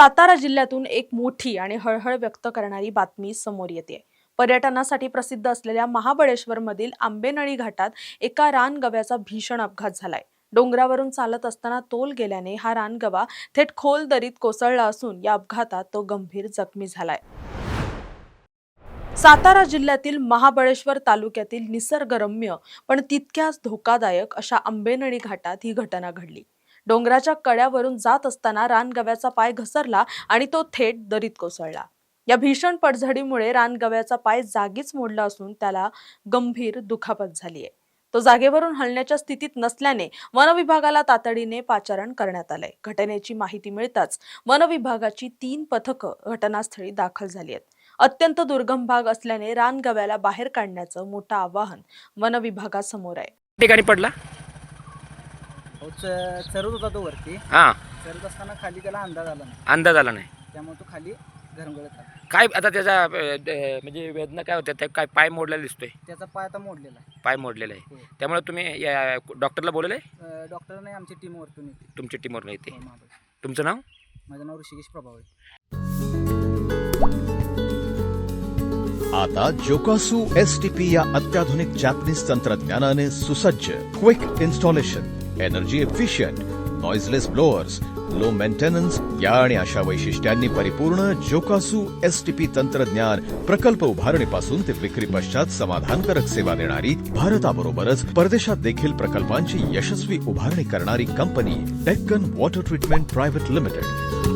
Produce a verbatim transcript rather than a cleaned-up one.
सातारा जिल्ह्यातून एक मोठी आणि हळहळ व्यक्त करणारी बातमी समोर येते। पर्यटनासाठी प्रसिद्ध असलेल्या महाबळेश्वरमधील आंबेनळी घाटात एका रानगव्याचा भीषण अपघात झालाय। डोंगरावरून चालत असताना तोल गेल्याने हा रानगवा थेट खोल दरीत कोसळला असून या अपघातात तो गंभीर जखमी झालाय। सातारा जिल्ह्यातील महाबळेश्वर तालुक्यातील निसर्गरम्य पण तितक्याच धोकादायक अशा आंबेनळी घाटात ही घटना घडली। डोंगराच्या कड्यावरून जात असताना रानगव्याचा पाय घसरला आणि तो थेट दरीत कोसळला। या भीषण पडझडीमुळे रानगव्याचा पाय जागीच मोडला असून त्याला गंभीर दुखापत झाली आहे। तो जागेवरून हलण्याच्या स्थितीत नसल्याने वन विभागाला तातडीने पाचारण करण्यात आलंय। घटनेची माहिती मिळताच वन विभागाची तीन पथकं घटनास्थळी दाखल झाली आहेत। अत्यंत दुर्गम भाग असल्याने रानगव्याला बाहेर काढण्याचं मोठं आव्हान वन विभागासमोर आहे। ठिकाणी पडला चरत होता तो वरती। हा चरत असताना खाली त्याला अंदाज आला नाही, अंदाज आला नाही त्यामुळे तो खाली घरंगळत आला। काय आता त्याचा अ, द- म्हणजे वेदना काय होत्या, त्या काय पाय मोडलेला दिसतोय, त्याचा पाय आता मोडलेला आहे। पाय मोडलेला आहे। हो. त्यामुळे तुम्ही या डॉक्टरला बोलवलंय? अं, डॉक्टर नाही, आमची टीम वरतून येते। तुमच्या टीमवर नाही ते? हो, महाबळेश्वर। तुमचं नाव? माझं नाव ऋषिकेश प्रभाव आहे। आता जोकासू एस टी पी या अत्याधुनिक जॅपनीज तंत्रज्ञानाने सुसज्ज quick installation, energy efficient, noiseless blowers, low maintenance या आणि अशा वैशिष्ट्यांनी परिपूर्ण जोकासू एस टी पी तंत्रज्ञान प्रकल्प उभारणीपासून ते विक्री पश्चात समाधानकारक सेवा देणारी, भारताबरोबरच परदेशात देखील प्रकल्पांची यशस्वी उभारणी करणारी कंपनी Deccan water treatment private limited.